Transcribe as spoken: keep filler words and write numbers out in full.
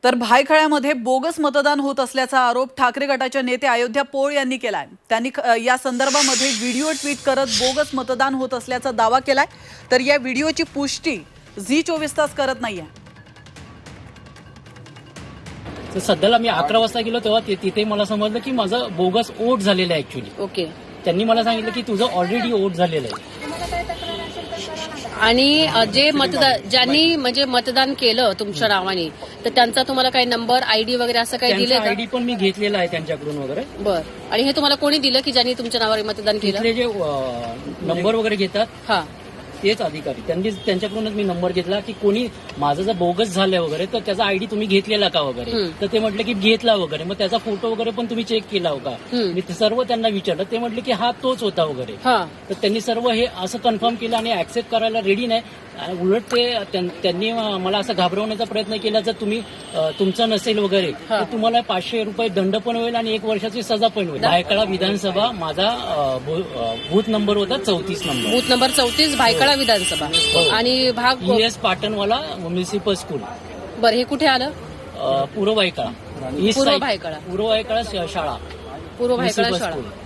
तर भायखळ्यामध्ये बोगस मतदान होत असल्याचा आरोप ठाकरे गटाच्या नेते अयोध्या पोळ यांनी केलाय। त्यांनी या संदर्भामध्ये व्हिडिओ ट्विट करत बोगस मतदान होत असल्याचा दावा केलाय। तर या व्हिडिओची पुष्टी झी चोवीस तास करत नाहीये। तर सध्याला मी अकरा वाजता गेलो तेव्हा तिथे मला समजलं की माझं बोगस वोट झालेलं आहे ऍक्च्युली। ओके, त्यांनी मला सांगितलं की तुझं ऑलरेडी वोट झालेलं आहे। आणि जे मतदान ज्यांनी म्हणजे मतदान केलं तुमच्या नावाने तर त्यांचा तुम्हाला काही नंबर आयडी वगैरे असं काही दिले का? आयडी पण मी घेतलेला आहे त्यांच्याकडून वगैरे। बर, आणि हे तुम्हाला कोणी दिलं की ज्यांनी तुमच्या नावावर मतदान केलं? तिथले जे नंबर वगैरे घेतात हा तेच अधिकारी, त्यांनी त्यांच्याकडूनच मी नंबर घेतला की कोणी माझं जर बोगस झालं वगैरे तर त्याचा आयडी तुम्ही घेतलेला का वगैरे। तर ते म्हटलं की घेतला वगैरे, मग त्याचा फोटो वगैरे पण तुम्ही चेक केला होता? मी सर्व त्यांना विचारलं, ते म्हटले की हा तोच होता वगैरे। तर त्यांनी सर्व हे असं कन्फर्म केलं आणि ऍक्सेप्ट करायला रेडी नाही। उलट ते त्यांनी मला असं घाबरवण्याचा प्रयत्न केला, जर तुम्ही तुमचं नसेल वगैरे तर तुम्हाला पाचशे रुपये दंड पण होईल आणि एक वर्षाची सजा पण होईल। भायखळा विधानसभा माझा बूथ नंबर होता चौतीस नंबर बूथ नंबर चौतीस भायखळा विधानसभा आणि भाग E S Patanwala municipal school. बरं, हे कुठे आलं? पूर्व भायखळा, पूर्व भायखळा पूर्व भायखळा शाळा, पूर्व भायखळा म्युनिसिपल शाळा। स्कूल।